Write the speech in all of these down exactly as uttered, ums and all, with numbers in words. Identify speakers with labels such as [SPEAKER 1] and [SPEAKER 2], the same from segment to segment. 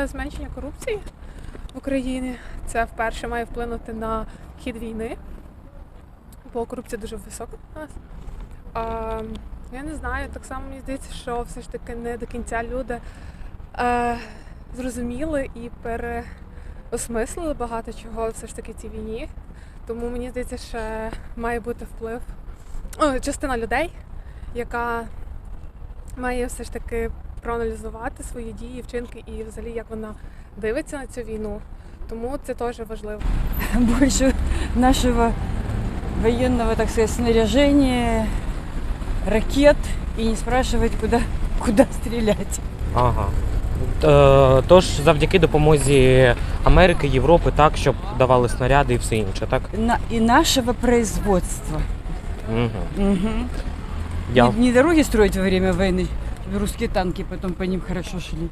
[SPEAKER 1] на зменшення корупції в Україні. Це вперше має вплинути на хід війни, бо корупція дуже висока у нас. А, я не знаю, так само мені здається, що все ж таки не до кінця люди е, зрозуміли і переосмислили багато чого все ж таки цій війні. Тому мені здається, що має бути вплив, о, частина людей, яка має все ж таки проаналізувати свої дії, вчинки і взагалі як вона дивиться на цю війну. Тому це теж важливо.
[SPEAKER 2] Більше нашого воєнного, так сказати, снаряження, ракет і не спрашивать, куди, куди стріляти.
[SPEAKER 3] Ага. Е, Тож завдяки допомозі Америки, Європи, так, щоб давали снаряди і все інше, так?
[SPEAKER 2] На, і нашого производства.
[SPEAKER 3] Угу.
[SPEAKER 2] Угу.
[SPEAKER 3] Я...
[SPEAKER 2] Не, не дороги строить во время войны, русские танки потом по ним хорошо шли,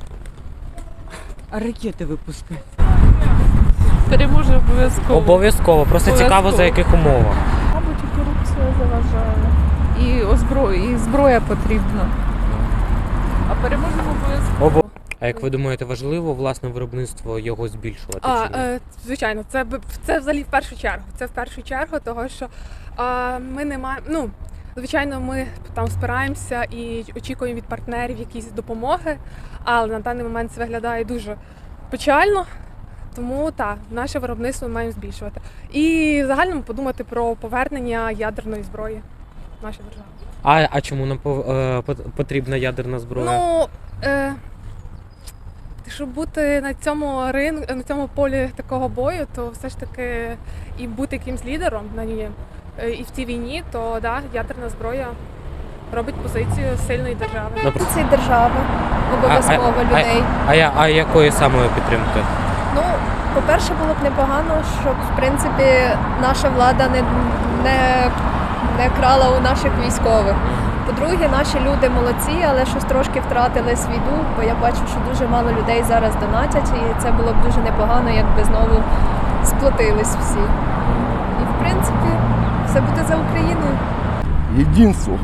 [SPEAKER 2] а ракети випускати.
[SPEAKER 4] Переможе обов'язково.
[SPEAKER 3] Обов'язково. Просто
[SPEAKER 4] Обов'язково.
[SPEAKER 3] цікаво, за яких умовах.
[SPEAKER 4] Мабуть, і корупція заважає. І озброя, і зброя потрібна. А переможемо обов'язково.
[SPEAKER 3] Обо... А як ви думаєте, важливо власне виробництво його збільшувати?
[SPEAKER 1] А,
[SPEAKER 3] чи ні?
[SPEAKER 1] е, звичайно, це б- це взагалі в першу чергу. Це в першу чергу, того що е, ми не маємо. Ну, звичайно, ми там спираємося і очікуємо від партнерів якісь допомоги, але на даний момент це виглядає дуже печально. Тому так, наше виробництво ми маємо збільшувати. І в загальному подумати про повернення ядерної зброї в нашій державі.
[SPEAKER 3] А, а чому нам пов- е, пот- потрібна ядерна зброя?
[SPEAKER 1] Ну, е, щоб бути на цьому рин, на цьому полі такого бою, то все ж таки і бути якимсь лідером на ній, е, і в цій війні, то да, ядерна зброя робить позицію сильної держави.
[SPEAKER 3] Напр-
[SPEAKER 5] Ці держави обов'язково
[SPEAKER 3] а,
[SPEAKER 5] людей.
[SPEAKER 3] А, а, я- а якої самої підтримки?
[SPEAKER 5] Ну, по-перше, було б непогано, щоб в принципі наша влада не, не, не крала у наших військових. По-друге, наші люди молодці, але щось трошки втратили свій дух, бо я бачу, що дуже мало людей зараз донатять, і це було б дуже непогано, якби знову сплотились всі. І в принципі, все буде за Україною.
[SPEAKER 6] Единство.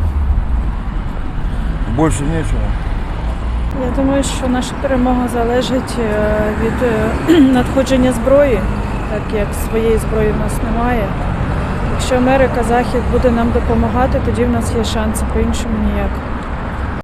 [SPEAKER 6] Больше нечего.
[SPEAKER 4] Я думаю, що наша перемога залежить е, від е, надходження зброї, так як своєї зброї в нас немає. Якщо Америка, Захід буде нам допомагати, тоді в нас є шанси, по-іншому ніяк.